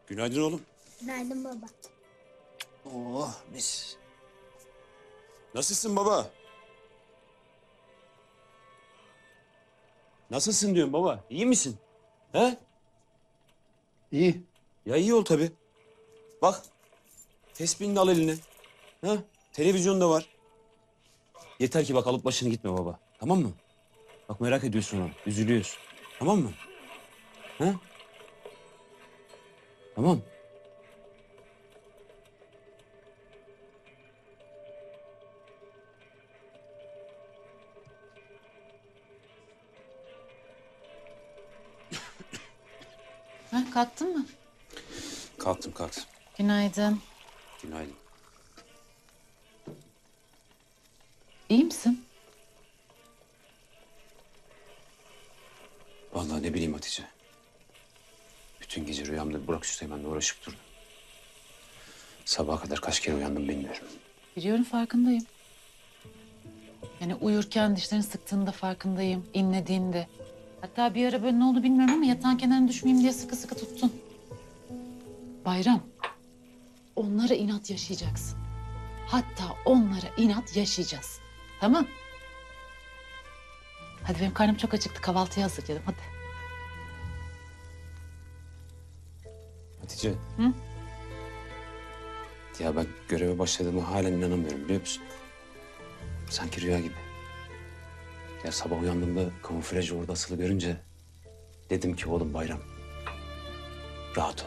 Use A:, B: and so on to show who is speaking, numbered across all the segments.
A: Günaydın oğlum.
B: Günaydın baba.
A: Oh mis. Nasılsın baba? Nasılsın diyorum baba. İyi misin? He?
C: İyi.
A: Ya iyi ol tabii. Bak. Tespihini de al eline. Ha? Televizyon da var. Yeter ki bak alıp başını gitme baba. Tamam mı? Bak merak ediyorsun onu. Üzülüyorsun. Tamam mı? Ha? Tamam.
D: Ha, kalktın mı?
A: Kalktım kalktım.
D: Günaydın.
A: Günaydın.
D: İyi misin?
A: Vallahi ne bileyim Hatice. Bütün gece rüyamda Burak Üsteğmen'le uğraşıp durdum. Sabaha kadar kaç kere uyandım bilmiyorum.
D: Biliyorum, farkındayım. Yani uyurken dişlerini sıktığında farkındayım, inlediğinde. Hatta bir ara böyle ne oldu bilmiyorum ama yatağın kenarına düşmeyeyim diye sıkı sıkı tuttun. Bayram, onlara inat yaşayacaksın. Hatta onlara inat yaşayacağız. Tamam? Hadi benim karnım çok acıktı, kahvaltıyı hazırlayalım hadi.
A: Hatice.
D: Hı?
A: Ya ben göreve başladığıma halen inanamıyorum biliyor musun? Sanki rüya gibi. Ya sabah uyandığımda kamuflaj orada asılı görünce dedim ki oğlum Bayram rahat ol.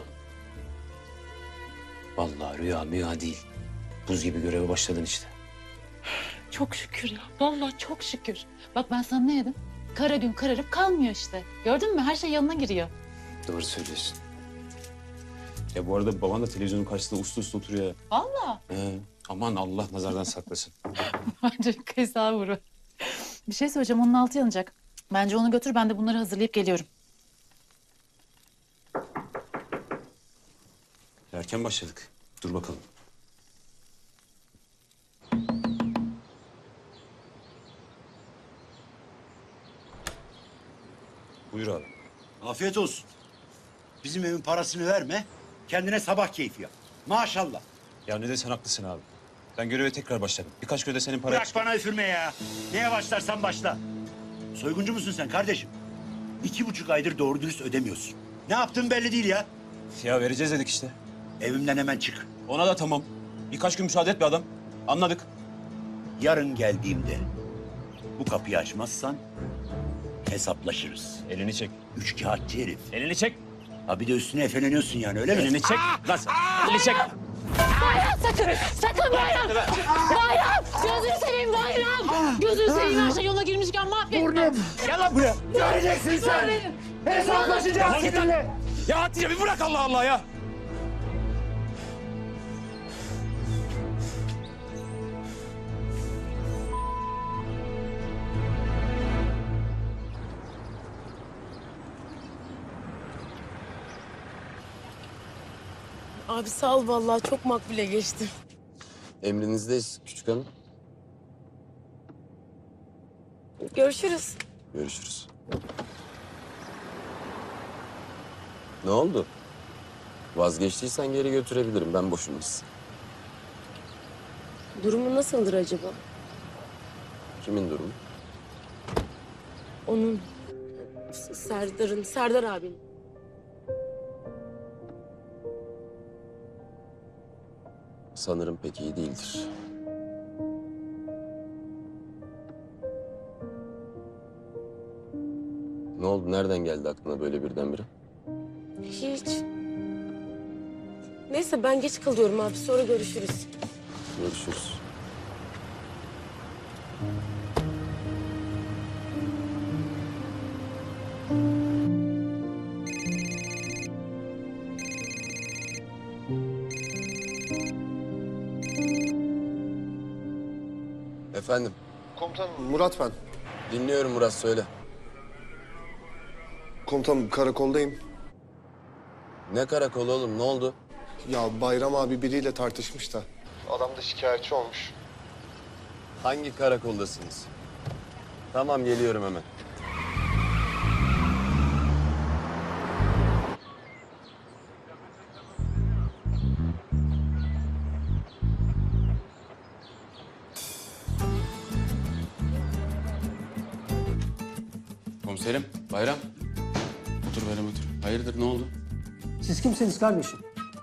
A: Vallahi rüya değil. Buz gibi göreve başladın işte.
D: Çok şükür ya. Vallahi çok şükür. Bak ben sana ne dedim? Kara gün kararıp kalmıyor işte. Gördün mü? Her şey yanına giriyor.
A: Doğru söylüyorsun. Ya bu arada baban da televizyonun karşısında uslu uslu oturuyor.
D: Vallahi.
A: Aman Allah nazardan saklasın.
D: Bence keza vuru. Bir şey söyleyeceğim. Onun altı yanacak. Bence onu götür. Ben de bunları hazırlayıp geliyorum.
A: Erken başladık. Dur bakalım. Buyur abi.
C: Afiyet olsun. Bizim evin parasını verme. Kendine sabah keyfi yap. Maşallah.
A: Ya ne desen haklısın abi. Ben göreve tekrar başladım. Birkaç gün de senin para...
C: Bırak bana üfürme ya. Neye başlarsan başla. Soyguncu musun sen kardeşim? 2,5 aydır doğru dürüst ödemiyorsun. Ne yaptığın belli değil ya.
A: Ya vereceğiz dedik işte.
C: Evimden hemen çık.
A: Ona da tamam. Birkaç gün müsaade et be adam. Anladık.
C: Yarın geldiğimde bu kapıyı açmazsan hesaplaşırız.
A: Elini çek.
C: Üçkağıtçı herif.
A: Elini çek.
C: Ha bir de üstüne efeleniyorsun yani öyle mi?
A: Elini çek. Lan sen. Elini çek.
E: Sakın, sakın Bayram! Bayram! Gözünü seveyim Bayram! Gözünü seveyim, her şey yola girmişken mahvetme.
A: Gel lan buraya.
C: Göreceksin sen. Hesaplaşacağız seninle.
A: Ya Hatice bir bırak Allah Allah ya.
E: Abi sağ ol vallahi çok makbule geçti.
F: Emrinizdeyiz küçük hanım.
E: Görüşürüz.
F: Görüşürüz. Ne oldu? Vazgeçtiysen geri götürebilirim. Ben boşunmasın.
E: Durumu nasıldır acaba?
F: Kimin durumu?
E: Onun, Serdar'ın, Serdar abinin.
F: Sanırım pek iyi değildir. Ne oldu? Nereden geldi aklına böyle birdenbire?
E: Hiç. Neyse ben geç kalıyorum abi, sonra görüşürüz.
F: Görüşürüz. Efendim,
G: Komutanım Murat ben.
F: dinliyorum Murat söyle.
G: Komutanım karakoldayım.
F: Ne karakolu oğlum, ne oldu?
G: Ya Bayram abi biriyle tartışmış da. Adam da şikayetçi olmuş.
F: Hangi karakoldasınız? Tamam, geliyorum hemen. Komiserim, Bayram. Otur Bayram otur. Hayırdır ne oldu?
B: Siz kimsiniz kardeşim?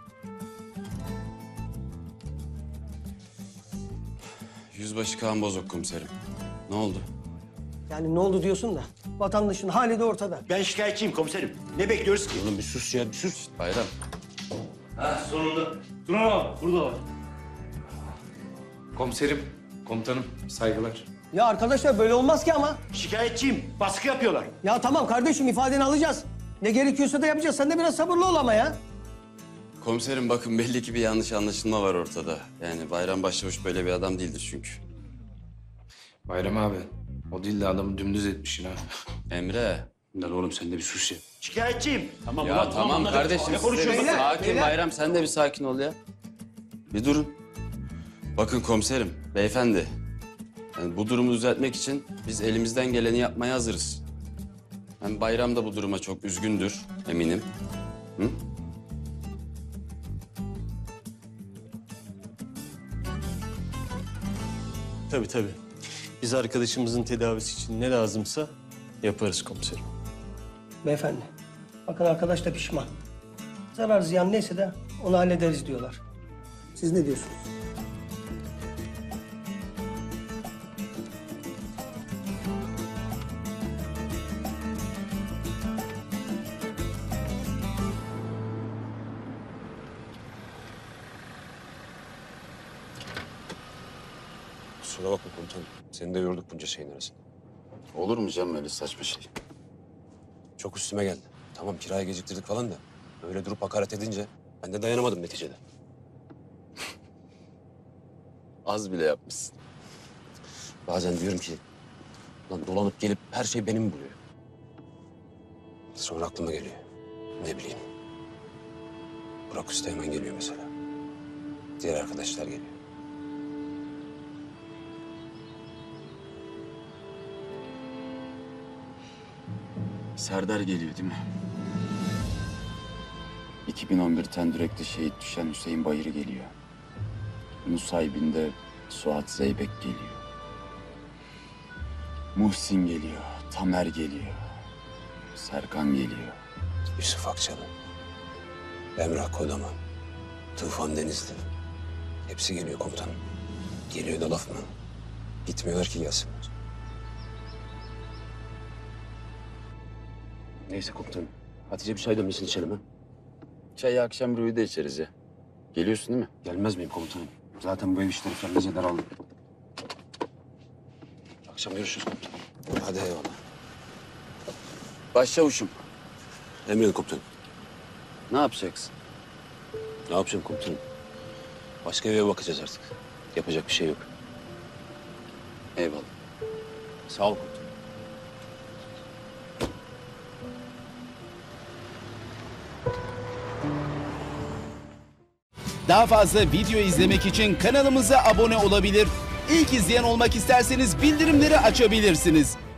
F: Yüzbaşı Kaan Bozok komiserim. Ne oldu?
B: Yani ne oldu diyorsun da vatandaşın hali de ortada.
C: Ben şikayetçiyim komiserim. Ne bekliyoruz ki?
A: Oğlum bir sus ya bir sus.
F: Bayram.
H: Komiserim, komutanım, saygılar.
B: Ya arkadaşlar böyle olmaz ki ama.
C: Şikayetçiyim. Baskı yapıyorlar.
B: Ya tamam kardeşim ifadeni alacağız. Ne gerekiyorsa da yapacağız. Sen de biraz sabırlı ol ama ya.
F: Komiserim bakın belli ki bir yanlış anlaşılma var ortada. Yani Bayram Başçavuş böyle bir adam değildir çünkü.
H: Bayram abi, o değil de adamı dümdüz etmişsin ha.
F: Emre.
A: Lan oğlum sen de bir sus ya.
C: Şikayetçiyim.
A: Tamam
F: Ya tamam
A: anladık.
F: kardeşim.
A: Ne
F: siz de
A: konuşuyorsun?
F: bir sakin
B: beyler.
F: Bayram sen de bir sakin ol ya. Bir durun. Bakın komiserim, beyefendi. Yani bu durumu düzeltmek için biz elimizden geleni yapmaya hazırız. Hem Bayram da bu duruma çok üzgündür eminim. Hı?
I: Tabii tabii. Biz arkadaşımızın tedavisi için ne lazımsa yaparız komiserim.
B: Beyefendi. Bakın arkadaş da pişman. Zarar ziyan neyse de onu hallederiz diyorlar. Siz ne diyorsunuz?
A: Kusura bakma komutanım. Seni de yorduk bunca şeyin arasında.
F: Olur mu canım öyle saçma şey?
A: Çok üstüme geldi. Tamam kiraya geciktirdik falan da. Öyle durup hakaret edince ben de dayanamadım neticede.
F: Az bile yapmışsın.
A: Bazen diyorum ki... Lan dolanıp gelip her şey benim buluyor. Sonra aklıma geliyor. Ne bileyim. Burak Usta hemen geliyor mesela. Diğer arkadaşlar geliyor.
F: Serdar geliyor değil mi? 2011 Tendürek'te şehit düşen Hüseyin Bayır geliyor. Nusaybin'de Suat Zeybek geliyor. Muhsin geliyor, Tamer geliyor. Serkan geliyor.
A: Yusuf Akçalı. Emrah Kodaman. Tufan Denizli. Hepsi geliyor komutanım. Geliyor da laf mı? Gitmiyorlar ki gelsinler. Neyse komutanım. Hatice bir çay demlesin içelim ha.
F: Çayı akşam Ruhi'de içeriz ya. Geliyorsun değil mi?
A: Gelmez miyim komutanım? Zaten bu ev işleri felaket daraldı. Akşam görüşürüz komutanım. Hadi eyvallah.
F: Başçavuşum,
A: Emredin komutanım.
F: ne yapacaksın?
A: Ne yapacağım komutanım? Başka eve bakacağız artık. Yapacak bir şey yok.
F: Eyvallah.
A: Sağ ol komutanım.
J: Daha fazla video izlemek için kanalımıza abone olabilir. İlk izleyen olmak isterseniz bildirimleri açabilirsiniz.